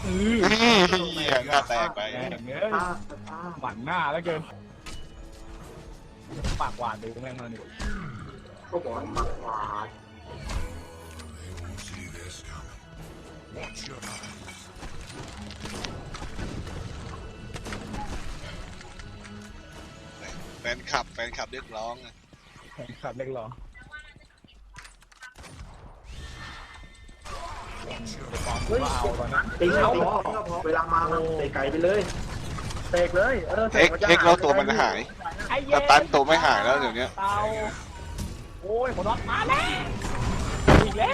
เหี้ยหน้าแตกไปอย่างเงี้ยหมันหน้าแล้วเกินปากหวานดูแม่งเลยก็บอกปากหวานแฟนคลับเรียกร้องขับเล็กหรอเฮ้ยตีเขาพอเวลามาเตะไก่ไปเลยเตะเลยเอ็กแล้วตัวมันหายแต่ตันตัวไม่หายแล้วเดี๋ยวนี้เตาโอ้ยคนรอดมาแล้วอีกแล้ว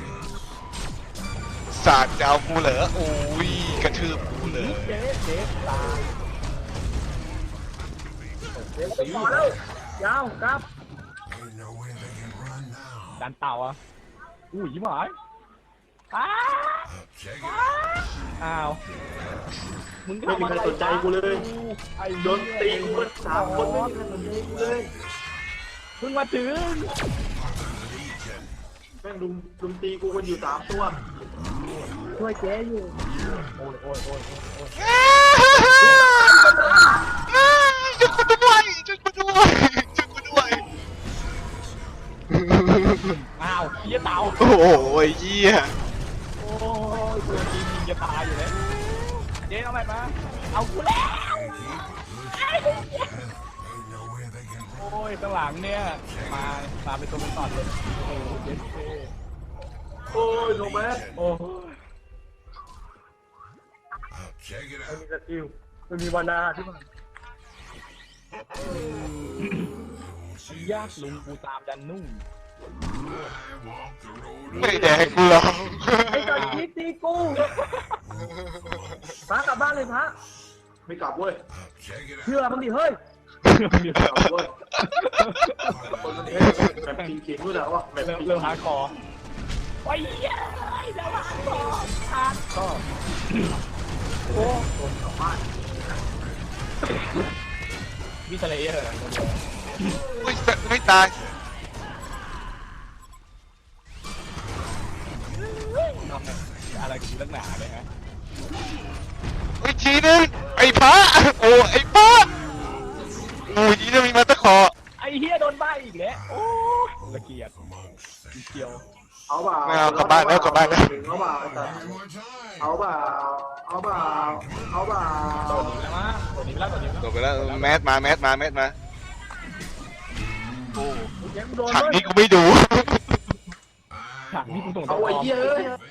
สาดจะเอากูเหรอโอ้ยกระทืบกูเลยเจ๊ตาพอแล้วยาวครับดันเต่าอ่ะอุ้ยยิ้มหายอ้าวมึงไม่มีใครสนใจกูเลยโดนตีกู3 คนไม่มีใครสนใจกูเลยเพิ่งมาถึงแม่งลุมตีกูกันอยู่3 ตัวช่วยเจ๊อยู่โอ้ยช่วยกูด้วยอ้าวเหี้ยเต่าโอ้ยเหี้ยโอ้ยตัวจริงจะตายอยู่แล้วเจ๊เอาไปมาเอากูแล้วโอ้ยข้างหลังเนี่ยมาเป็นตัวเป็นตอดเลยโอ้ยเจ๊โอ้ยโนแมสโอ้ยไม่มีสกิลไม่มีวานาที่มันยากลุงกูตามดันนุ่งไม่แดงกูหรอกไอ้ตัดคิดตีกูพระกลับบ้านเลยพระไม่กลับเว้ยเชื่อมันดิเฮ้ยไม่กลับเว้ยคนมันแบบจริงๆรู้แล้วว่าแบบเริ่มฮาร์ดคอร์ไอ้เหี้ยเริ่มฮาร์ดคอร์โอ้คนกลับบ้านวิทเลเยอร์ไม่ตายอะไรกูเรื่องหนาเลยฮะทีนึงไอ้พระโอ้ไอ้พระโอ้ยนี่จะมีมาตะขอไอ้เฮียโดนใบอีกแล้วโอ้ละเกียดเกี่ยวเอาบ่าไม่เอากลับบ้านแล้วเอาบ่าตัวนี้แล้วจบไปแล้วแมสมาโอ้ฉากนี้กูไม่ดูฉากนี้กูส่งเอาไอ้เหี้ย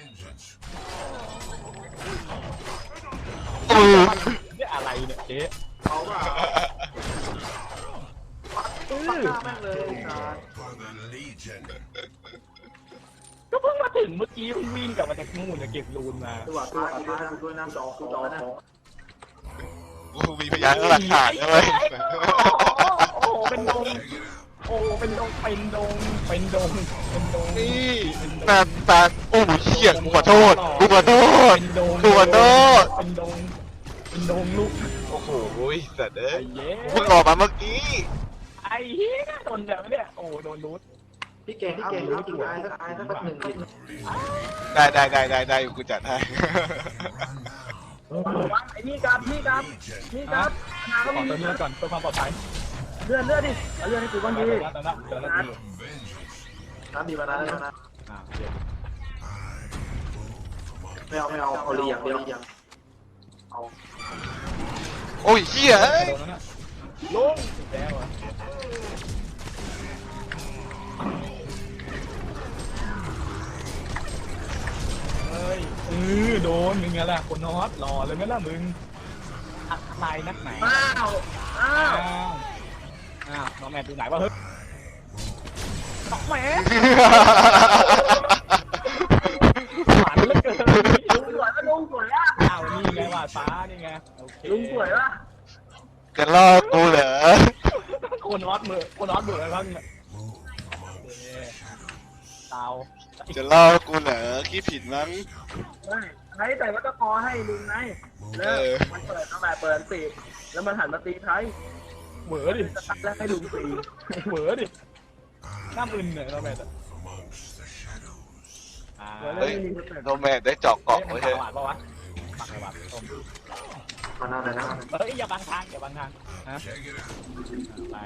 เนี่ยอะไรเนี่ยเจ๊เอาบ่าแม่งเลยก็เพิ่งมาถึงเมื่อกี้วิ่งกลับมาจากนู่นจะเก็บรูนมาตัวด้วยน้ำจอนะกูมีพยานหลักฐานเลยโอ้เป็นดงนี่ตาโอ้เหี้ยกูขอโทษเป็นดงลูกโอ้โหสัตว์เอ้ยเพิ่งออกมาเมื่อกี้ไอ้เหี้ยโดนแบบเนี่ยโอ้โดนรูทพี่เก่งรู้จริงอายสักหนึ่งได้กูจัดให้ไอ้นี่ครับนาก็มีเลื่อนก่อนเพื่อความปลอดภัยเลื่อนดิเลื่อนให้กูบ้างดีน้ำดีมานะไม่เอาเอาเรียงเอาโอ้ยเหี้ยลงแล้วอ่ะโดนมึงไงล่ะคนนอตหล่อเลยไหมล่ะมึงอะไรนักไหนอ้าวน้องแม่ดูไหนวะเฮ้ยน้องแม่หวานเหลือเกินลุงสวยอ่ะอ้าวนี่ไงว่าฟ้านี่ไงลุงสวยป่ะจะล่อกูเหรอคนนอตเบื่ออะไรบ้างเนี่ยเตาจะล่อกูเหรอคิดผิดมั้งใช้แต่ว่าก็พอให้ลุงไงแล้วมันเปิดตั้งแต่เปิดตีแล้วมันหันมาตีไทยเหวอดิแล้วให้ลุงตีเหวอดิน้ำอึนเนี่ยเราแบบโนแมนได้เจาะเกาะไว้เลยหวานปะวะวะต้มมาหน้าไหนนะเฮ้ยอย่าบังทางอย่าบังทางฮะไป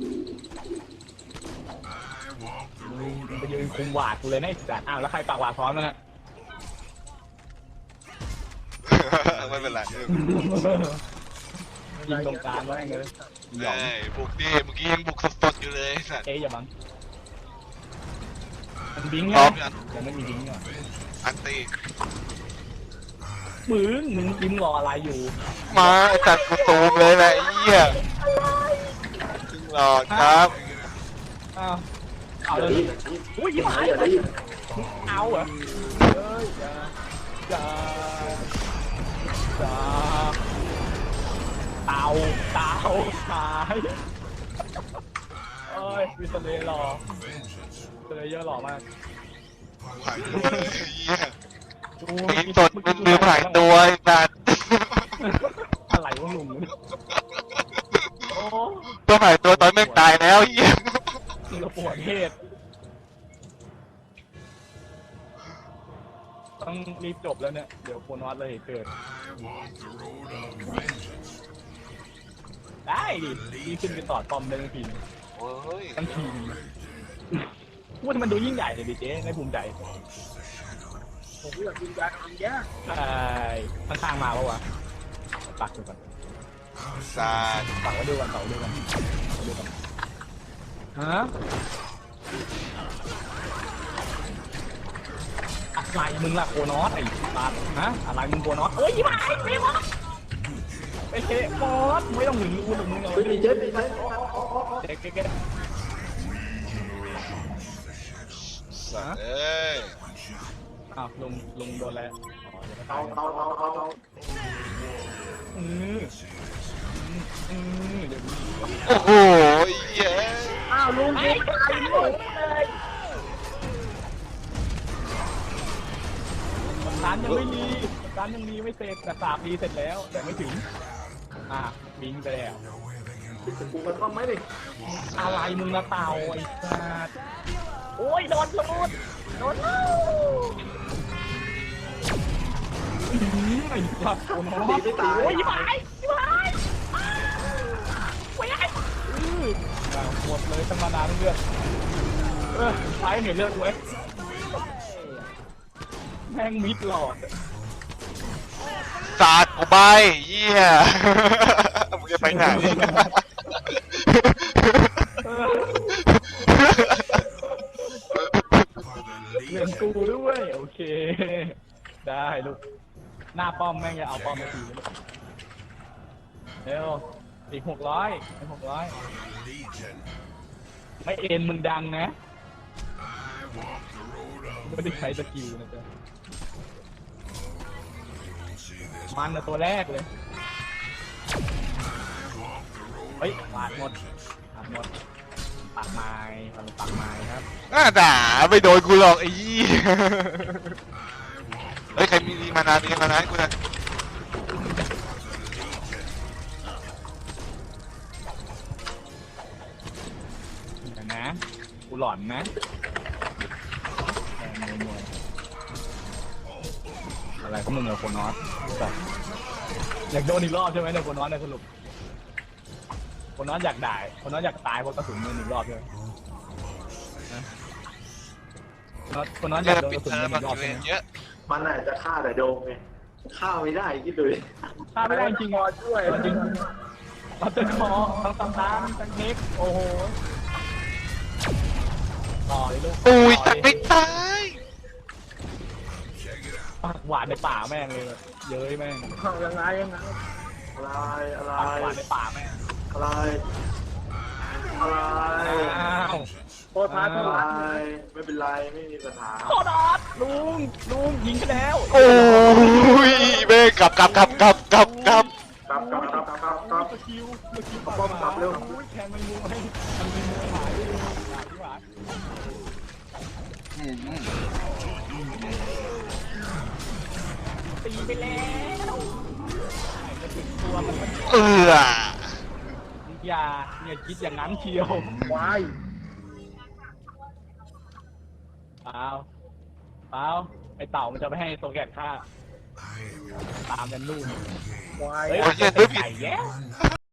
มึงไปยืนคุมหวาดกูเลยนะไอ้สัตว์อ้าวแล้วใครปากหวาดพร้อมแล้วนะไม่เป็นไรยิงตรงกลางไว้เลยหยองเอ้ยบุกดิเมื่อกี้ยังบุกสดๆอยู่เลยสัตว์เอ๊ยอย่าบังมันบิงพร้อไงมยังยังไม่มีบิงอ่ะอันตีมึงบิงรออะไรอยู่มาไอ้สัตว์กูตูมเลยแหละไอ้เหี้ยถึงหลอดครับอ้าวเอาอย่าเลยรีบอย่ารีบอุ้ยยิ้มหายอย่ารีบเอาเหรอเอ้ยจะเต่าหายเอ้ยวิสเลย์หล่อวิสเลย์เยอะหล่อมากหายตัวเลยไอ้เหี้ยดูมีสดมันมือหายตัวไอ้สัตว์อะไรวะลุงโอ้ตัวหายตัวตอนแม่งตายแล้วไอ้เหี้ยเราปวดเหตุต้องรีบจบแล้วเนี่ยเดี๋ยวโคนอสเลยเกิดได้ดิดีขึ้นไปต่อตอมได้ทั้งทีมโอ้ยทั้งทีมว่ามันดูยิ่งใหญ่เลยดิเจ๊ในภูมิใจผมอยากกินยาทำแย่ใช่ข้างๆมาปะวะปักดูก่อนสัตว์ปักไว้ดูก่อนดูก่อนฮะอะไรมึงล่ะโคนอสไอ้สัตว์ฮะอะไรมึงโคนอสเอ้ยมาไม่มาไอ้เจ๊บอสไม่ต้องหึงกูหรอกมึงเอาไม่มีเจ็บไม่ใช่เก๊ะสัตว์เอ้ยอ้าวลุงโดนแล้วอ๋อเดี๋ยวก็ตาเตาย เตาอืมเดี๋ยวโอ้โหไอ้เหี้ยอ้าวลุงไอ้ตายหมดเลยร้านยังไม่รีร้านยังรีไม่เสร็จแต่สาบรีเสร็จแล้วแต่ไม่ถึงบิงไปแล้วกูมันต้องไหมดิอะไรมึงละเต่าไอ้สัสโอ้ยโดนลูดโดนไอ้สัสโอ้โหโอ้ยไปหมดเลยตั้งมานานเลือดใช้เห็นเลือดเว้ยแม่งมิดหลอดสัตว์กูใบเหี้ยมึงจะไปไหนเรียนกูด้วยโอเคได้ลูกหน้าป้อมแม่งจะเอาป้อมมาทีเร็วอีก600ไม่เอ็นมึงดังนะไม่ได้ใช้สกิลนะจ๊ะมันนะตัวแรกเลยเฮ้ยปาดหมดปากไม้ครับน่าด่าไม่โดนกูหรอกไอ้ยี่เฮ้ยใครมีมานานให้กูนะเดี๋ยวนะกูหลอนนะอะไรก็มึงเอาโคนอสแบบอยากโดนอีกรอบใช่ไหมเนี่ยโคนอสในสรุปโคนอสอยากด่าโคนอสอยากตายเพราะกระสุนมันหนึ่งรอบใช่ไหมโคนอสอยากโดนกระสุนมันหนึ่งรอบใช่ไหมเยอะมันอาจจะฆ่าแต่โดมไงฆ่าไม่ได้คิดดูดิฆ่าไม่ได้จริงๆช่วยจริงเราจะขอทั้งทั้งเทคโอ้โหต่อเลยลูกอุ้ยสัตว์ไม่ตายปากหวานในป่าแม่งเลยเย้ยแม่งยังไงอะไรปากหวานในป่าแม่งอะไรอ้าวโคตรท้าทายไม่เป็นไรไม่มีปัญหาโคดอสลุงยิงไปแล้วโอ้ยเบ้กลับกลับสกิลป้อมกลับเร็วแทงมันมูให้มันมีมูหายหวานตีไปแล้วจะถึงตัวมัน อย่าคิดอย่างนั้นเชียววายเปล่าไอเต่ามันจะไม่ให้โซแกตฆ่าตามกันนู่นควายเฮ้ยโอ้ยเหี้ยซื้อผิดไก่แย่